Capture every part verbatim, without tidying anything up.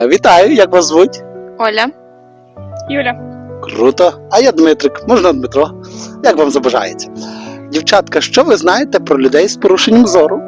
Вітаю, як вас звуть? Оля. Юля. Круто. А я Дмитрик, можна Дмитро. Як вам забажається? Дівчатка, що ви знаєте про людей з порушенням зору?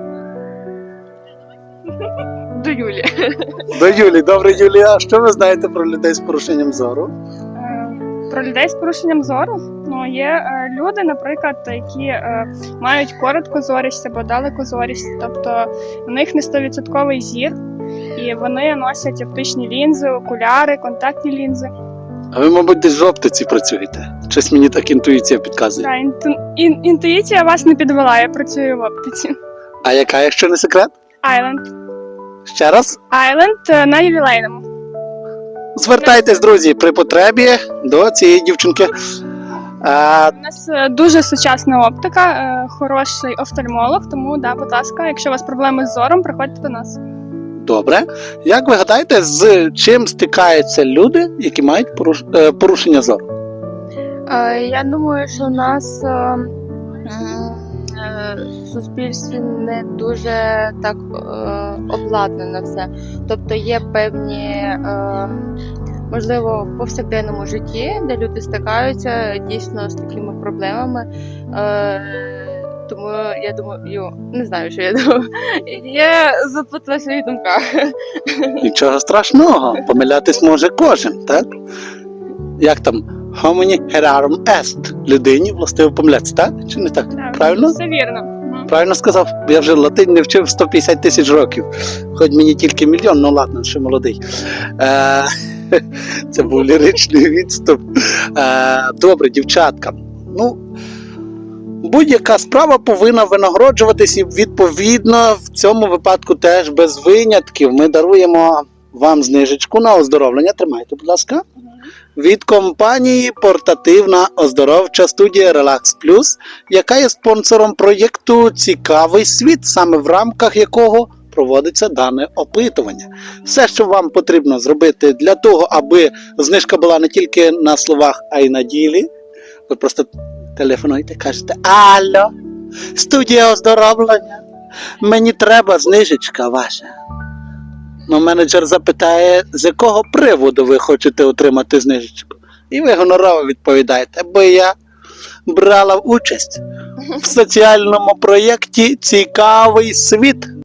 До Юлі. До Юлі. Добре, Юлія, що ви знаєте про людей з порушенням зору? Е, Про людей з порушенням зору. Ну, є е, люди, наприклад, які е, мають короткозорість або далекозорість, тобто у них не сто відсотків зір, і вони носять оптичні лінзи, окуляри, контактні лінзи. А ви, мабуть, десь в оптиці працюєте. Щось мені так інтуїція підказує. Да, інту, ін, інтуїція вас не підвела, я працюю в оптиці. А яка, якщо не секрет? Айленд. Ще раз? Айленд е, на ювілейному. Звертайтесь, друзі, при потребі до цієї дівчинки. А, У нас е, дуже сучасна оптика, е, хороший офтальмолог, тому, да, будь ласка, якщо у вас проблеми з зором, приходьте до нас. добре. Як ви гадаєте, з чим стикаються люди, які мають поруш... е, порушення зору? Е, Я думаю, що у нас е, м, е, в суспільстві не дуже так е, обладнано все. Тобто є певні, е, можливо, в повсякденному житті, де люди стикаються дійсно з такими проблемами. Е, Тому я думаю, не знаю, що я думаю. Я заплутала в своїх думках. Нічого страшного, помилятись може кожен, так? Як там? Homini herarum est. Людині властиво помилятися, так? Чи не так? Да, Правильно? Все вірно. Мгм. Правильно сказав? Я вже латин не вчив сто п'ятдесят тисяч років. Хоч мені тільки мільйон, ну ладно, ще молодий. Е, Це був ліричний відступ. Е, Добре, дівчатка. Ну, будь-яка справа повинна винагороджуватись, і відповідно в цьому випадку теж без винятків. Ми даруємо вам знижечку на оздоровлення. Тримайте, будь ласка. Від компанії портативна оздоровча студія Relax Plus, яка є спонсором проєкту «Цікавий світ», саме в рамках якого проводиться дане опитування. Все, що вам потрібно зробити для того, аби знижка була не тільки на словах, а й на ділі, ви просто телефонуєте, кажете: «Алло, студія оздоровлення, мені треба знижечка ваша». Ну, менеджер запитає, з якого приводу ви хочете отримати знижечку. І ви гонорово відповідаєте: бо я брала участь в соціальному проєкті «Цікавий світ».